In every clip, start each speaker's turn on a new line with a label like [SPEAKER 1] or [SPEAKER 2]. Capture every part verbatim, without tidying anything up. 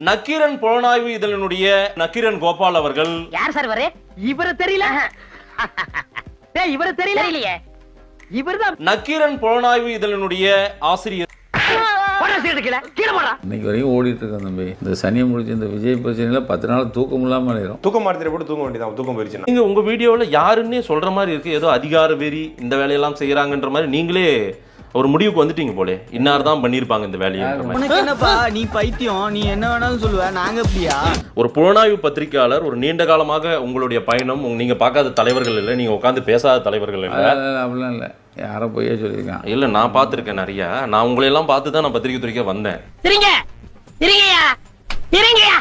[SPEAKER 1] நக்கீரன் புலனாய்வு இதழினுடைய நக்கீரன் கோபால் அவர்கள்
[SPEAKER 2] யார் சார் வரே? இவரை தெரியல. டேய் இவரை தெரியல இல்லையே. இவர்தான்
[SPEAKER 1] நக்கீரன் புலனாய்வு இதழினுடைய ஆசிரியர்.
[SPEAKER 3] இன்னைக்கு வரைக்கும் ஓடிட்டு இருக்கேன் தம்பி. இந்த சனியை முடிச்சு இந்த விஜய் பிரச்சனையில பத்து நாள் தூக்கம் இல்லாம ஆயிரும்.
[SPEAKER 4] தூக்கம் மாத்திரை போட்டு தூங்க வேண்டியதான். தூக்கம் போயிருச்சு.
[SPEAKER 1] நீங்க உங்க வீடியோல யாருன்னே சொல்ற மாதிரி இருக்கு. ஏதோ அதிகார வெறி இந்த வேலையெல்லாம் செய்யறாங்கன்ற மாதிரி நீங்களே ஒரு முடிவுக்கு வந்துட்டீங்க போலே. இன்னார் தான் பண்ணிருப்பாங்க இந்த வேலையை.
[SPEAKER 5] என்னப்பா நீ பைத்தியம், நீ என்ன வேணாலும் சொல்லுவ, நாங்க எப்படியா?
[SPEAKER 1] ஒரு புலனாய்வு பத்திரிகையாளர், ஒரு நீண்ட காலமாக உங்களுடைய பயணம், நீங்க பார்க்காத தலைவர்கள் இல்லை, நீங்க உட்காந்து பேசாத தலைவர்கள் இல்லை.
[SPEAKER 3] அப்படிலாம் இல்லை, யாரோ பொய்யா சொல்லியிருக்கான்.
[SPEAKER 1] இல்ல நான் பார்த்திருக்கேன் நிறைய. நான் உங்களை எல்லாம் பார்த்து தான் நான் பத்திரிகை துறைக்க வந்தேன்.
[SPEAKER 2] இருங்க இருங்கயா இருங்கயா.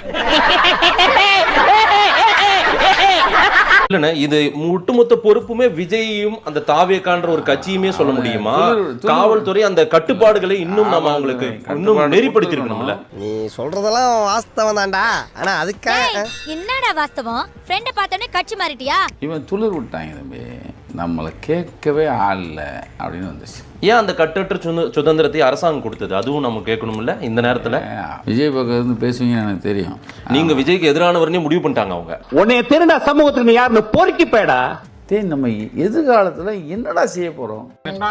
[SPEAKER 1] இல்லண்ணே, இது ஒட்டுமொத்த பொறுப்புமே விஜயும் அந்த தாவேக்கான்ற ஒரு கட்சியுமே சொல்ல முடியுமா? காவல்துறை அந்த கட்டுப்பாடுகளை இன்னும் நம்ம அவங்களுக்கு இன்னும் நெறிப்படுத்திருக்கணும்ல.
[SPEAKER 6] நீ சொல்றதெல்லாம் வாஸ்தவம் தான்டா. ஆனா அதுக்காக
[SPEAKER 7] என்னடா வாஸ்தவம்? ஃப்ரெண்ட பார்த்தோன்னே கட்சி மாறிட்டியா?
[SPEAKER 3] இவன் துளிர் விட்டாங்க தம்பி. நம்மளை கேட்கவே ஆள் இல்லை அப்படின்னு வந்துச்சு.
[SPEAKER 1] ஏன் அந்த கட்டற்ற சுதந்திரத்தை அரசாங்கம் கொடுத்தது? அதுவும் நம்ம கேட்கணும்ல இந்த நேரத்துல.
[SPEAKER 3] விஜய் பக்கம் இருந்து பேசுவீங்கன்னு எனக்கு தெரியும்.
[SPEAKER 1] நீங்க விஜய்க்கு எதிரானவர்னே முடிவு பண்ணிட்டாங்க அவங்க.
[SPEAKER 8] உன்னைய திருடா சமூகத்துக்கு யாருன்னு பொறுக்கி போயடா.
[SPEAKER 3] டேய், நம்ம எதிர்காலத்துல என்னடா செய்ய போறோம்?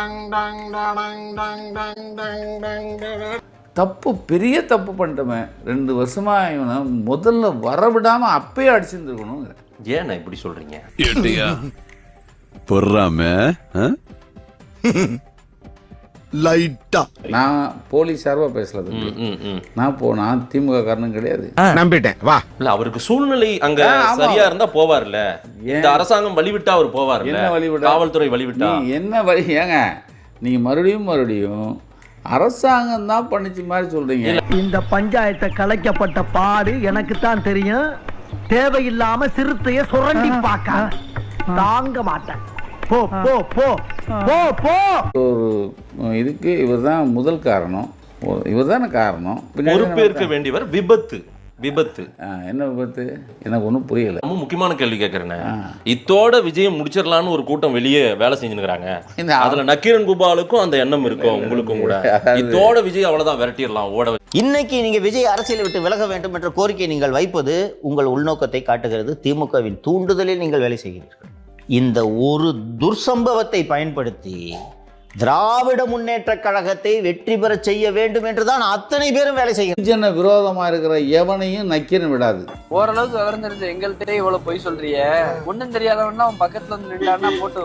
[SPEAKER 3] தப்பு, பெரிய தப்பு பண்ணிட்டோமே. ரெண்டு வருஷமா இவனை முதல்ல வரவிடாம அப்பயே அடிச்சிருந்துருக்கணும்.
[SPEAKER 1] ஏன் இப்படி சொல்றீங்க?
[SPEAKER 9] பொறாம லைட்டா
[SPEAKER 3] நான் போலீஸ் சார்பா பேசல. நான் போனா திமுக காரணம் கிடையாது.
[SPEAKER 4] நம்பிட்டேன் வா.
[SPEAKER 1] இல்ல அவருக்கு சூழ்நிலை அங்க சரியா இருந்தா போவார்ல. இந்த அரசாங்கம் வழிவிட்டா அவர் போவார்ல.
[SPEAKER 3] என்ன வழிவிட்டா?
[SPEAKER 1] காவல்துறை வழிவிட்டா
[SPEAKER 3] என்ன வழி? ஏங்க நீங்க மறுபடியும் மறுபடியும் அரசாங்கம் தான் பண்ணிச்சு மாதிரி சொல்றீங்க.
[SPEAKER 5] இந்த பஞ்சாயத்தை கலைக்கப்பட்ட பாடு எனக்கு தான் தெரியும். தேவையில்லாம சிறுத்தைய சுரண்டி பார்க்க தாங்க மாட்டேன். போ போ போ போ போ.
[SPEAKER 3] ஒரு இதுக்கு இவர் தான் முதல் காரணம். இவர் தானே காரணம்.
[SPEAKER 1] பொறுப்பேற்க வேண்டியவர். விபத்து விபத்து
[SPEAKER 3] என்ன விபத்து? எனக்கு ஒன்றும் புரியல.
[SPEAKER 1] ரொம்ப முக்கியமான கேள்வி கேட்கறேன். இத்தோட விஜயம் முடிச்சிடலான்னு ஒரு கூட்டம் வெளியே வேலை செஞ்சுருக்காங்க. அதுல நக்கீரன் கோபாலுக்கும் அந்த எண்ணம் இருக்கும், உங்களுக்கும் கூட. இத்தோட விஜய் அவ்வளவுதான் விரட்டிடலாம் ஓட.
[SPEAKER 10] இன்னைக்கு நீங்க விஜய் அரசியலை விட்டு விலக வேண்டும் என்ற கோரிக்கையை நீங்கள் வைப்பது உங்கள் உள்நோக்கத்தை காட்டுகிறது. திமுகவின் தூண்டுதலில் நீங்கள் வேலை செய்கிறீர்கள். இந்த ஒரு துர்சம்பவத்தை பயன்படுத்தி திராவிட முன்னேற்ற கழகத்தை வெற்றி பெற செய்ய வேண்டும் என்றுதான் அத்தனை பேரும் வேலை செய்ய.
[SPEAKER 3] விரோதமா இருக்கிற எவனையும் நக்கீரன் விடாது.
[SPEAKER 5] ஓரளவுக்கு விவரம் தெரிஞ்ச எங்கள்கிட்ட இவ்வளவு பொய் சொல்றிய. ஒன்னும் தெரியாதவன்னா அவன் பக்கத்துல வந்து நின்றான்னா போட்டு.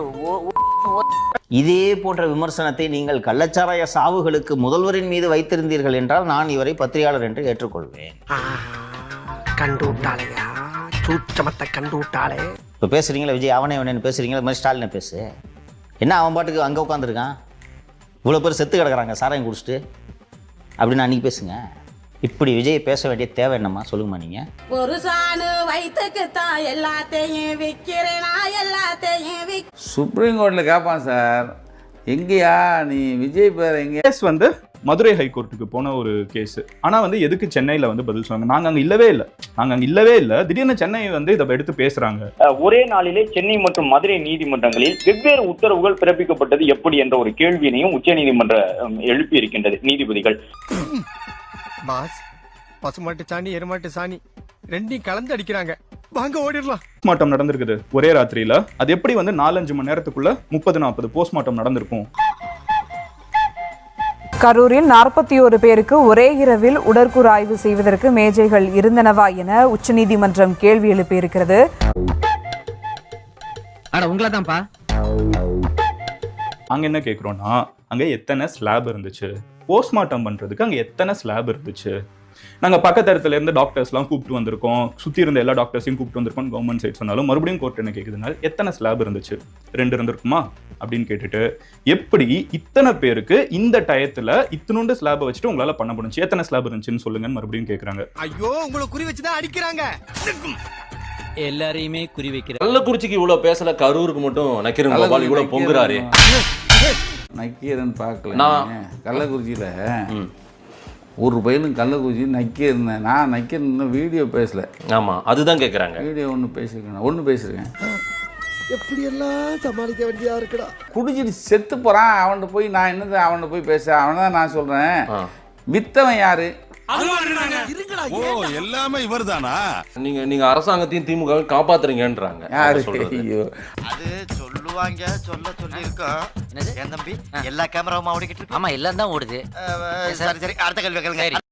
[SPEAKER 10] இதே போன்ற விமர்சனத்தை நீங்கள் கள்ளச்சாராய சாவுகளுக்கு முதல்வரின் மீது வைத்திருந்தீர்கள் என்றால் நான் இவரை பத்திரிகையாளர் என்று ஏற்றுக்கொள்வேன்.
[SPEAKER 6] கண்டு விட்டாளையா, சூட்சமத்தை கண்டு விட்டாளே.
[SPEAKER 10] இப்போ பேசுறீங்களா விஜய் அவனே அவனேன்னு பேசுறீங்களா? இது மாதிரி ஸ்டாலினை பேசு. என்ன அவன் பாட்டுக்கு அங்கே உட்காந்துருக்கான், இவ்வளோ பேர் செத்து கிடக்குறாங்க சாராயம் குடிச்சிட்டு அப்படின்னு அன்றைக்கி பேசுங்க. இப்படி விஜய் பேச வேண்டிய தேவை என்னம்மா சொல்லுங்கம்மா. நீங்கள்
[SPEAKER 7] ஒரு சாணு வயிற்றுக்குத்தான் எல்லாத்தையும் விற்கிறேனா எல்லாத்தையும் விக்
[SPEAKER 3] சுப்ரீம் கோர்ட்டில் கேட்பான் சார், எங்கேயா நீ விஜய் பேர் எங்கே?
[SPEAKER 4] கேஸ் வந்து மதுரை ஹைகோர்ட்டுக்கு போன ஒரு கேஸ். ஆனால் வந்து எதுக்கு சென்னையில் வந்து பதில் சொன்னாங்க? நாங்கள் அங்கே இல்லவே இல்லை, நாங்கள் அங்கே இல்லவே இல்லை. திடீர்னு சென்னை வந்து இதை எடுத்து பேசுகிறாங்க.
[SPEAKER 8] ஒரே நாளிலே சென்னை மற்றும் மதுரை நீதிமன்றங்களில் வெவ்வேறு உத்தரவுகள் பிறப்பிக்கப்பட்டது எப்படி என்ற ஒரு கேள்வியினையும் உச்ச நீதிமன்றம் எழுப்பி இருக்கின்றது நீதிபதிகள்.
[SPEAKER 6] பாஸ், பசுமாட்டு சாணி எருமாட்டு சாணி ரெண்டையும் கலந்து அடிக்கிறாங்க, வாங்க ஓடிடலாம்.
[SPEAKER 4] போஸ்ட்மார்ட்டம் நடந்திருக்குது ஒரே ராத்திரியில. அது எப்படி வந்து நாலஞ்சு மணி நேரத்துக்குள்ள முப்பது நாற்பது போஸ்ட்மார்ட்டம் நடந்திருக்கும்?
[SPEAKER 11] கரூரில் நாற்பத்தி ஒரு பேருக்கு ஒரே இரவில் உடற்கூறு ஆய்வு செய்வதற்கு மேஜைகள் இருந்தனவா என உச்சநீதிமன்றம் கேள்வி எழுப்பியிருக்கிறது.
[SPEAKER 4] அங்க என்ன கேட்கிறோம்னா, அங்க எத்தனை ஸ்லாப் இருந்துச்சு, போஸ்ட்மார்ட்டம் பண்றதுக்கு அங்க எத்தனை ஸ்லாப் இருந்துச்சு. நாங்கள் பக்கத்து இடத்துல இருந்து டாக்டர்ஸ்லாம் கூப்பிட்டு வந்திருக்கோம், சுற்றி இருந்த எல்லா டாக்டர்ஸையும் கூப்பிட்டு வந்திருக்கோம் கவர்மெண்ட் சைட் சொன்னாலும் மறுபடியும் கோர்ட் என்ன கேட்குதுனால எத்தனை ஸ்லாப் இருந்துச்சு, ரெண்டு இருந்திருக்குமா அப்படின்னு கேட்டுட்டு எப்படி இத்தனை பேருக்கு இந்த டயத்தில் இத்தனோண்டு ஸ்லாபை வச்சுட்டு உங்களால் பண்ண முடிஞ்சு, எத்தனை ஸ்லாப் இருந்துச்சுன்னு சொல்லுங்கன்னு மறுபடியும் கேட்குறாங்க.
[SPEAKER 6] ஐயோ, உங்களை குறி வச்சுதான் அடிக்கிறாங்க.
[SPEAKER 5] எல்லாரையுமே குறி வைக்கிற.
[SPEAKER 1] கள்ளக்குறிச்சிக்கு இவ்வளவு பேசல, கரூருக்கு மட்டும் நக்கீரன் கோபால் இவ்வளவு பொங்குறாரு.
[SPEAKER 3] நக்கீரன் பார்க்கல. கள்ளக்குறிச்சியில ஒரு பையனும் கள்ளக்குறிச்சி நக்கீரன். நான் நக்கீரன் வீடியோ பேசல.
[SPEAKER 1] ஆமா, அதுதான் கேட்குறாங்க. வீடியோ
[SPEAKER 3] ஒன்று பேசியிருக்கேன், ஒன்று பேசியிருக்கேன்.
[SPEAKER 6] எப்படியெல்லாம் சமாளிக்க வேண்டியதா இருக்குடா.
[SPEAKER 3] குடிச்சிட்டு செத்து போறான், அவன்கிட்ட போய் நான் என்னது அவன்கிட்ட போய் பேச? அவனை தான் நான் சொல்றேன். வித்தவன் யாரு?
[SPEAKER 9] ஓ எல்லாமே இவர்தானா?
[SPEAKER 1] நீங்க நீங்க அரசாங்கத்தையும் திமுக காப்பாத்துறீங்கன்றாங்க.
[SPEAKER 3] யாரு?
[SPEAKER 1] சொல்றது.
[SPEAKER 3] ஐயோ.
[SPEAKER 12] அது சொல்லுவாங்க, சொல்ல சொல்லி இருக்கோம். என் தம்பி எல்லா கேமராவும் ஓடிக்கிட்டு இருக்கு.
[SPEAKER 2] ஆமா எல்லாம் தான் ஓடுது.
[SPEAKER 12] சரி சரி அடுத்த கேள்வி கேளுங்க.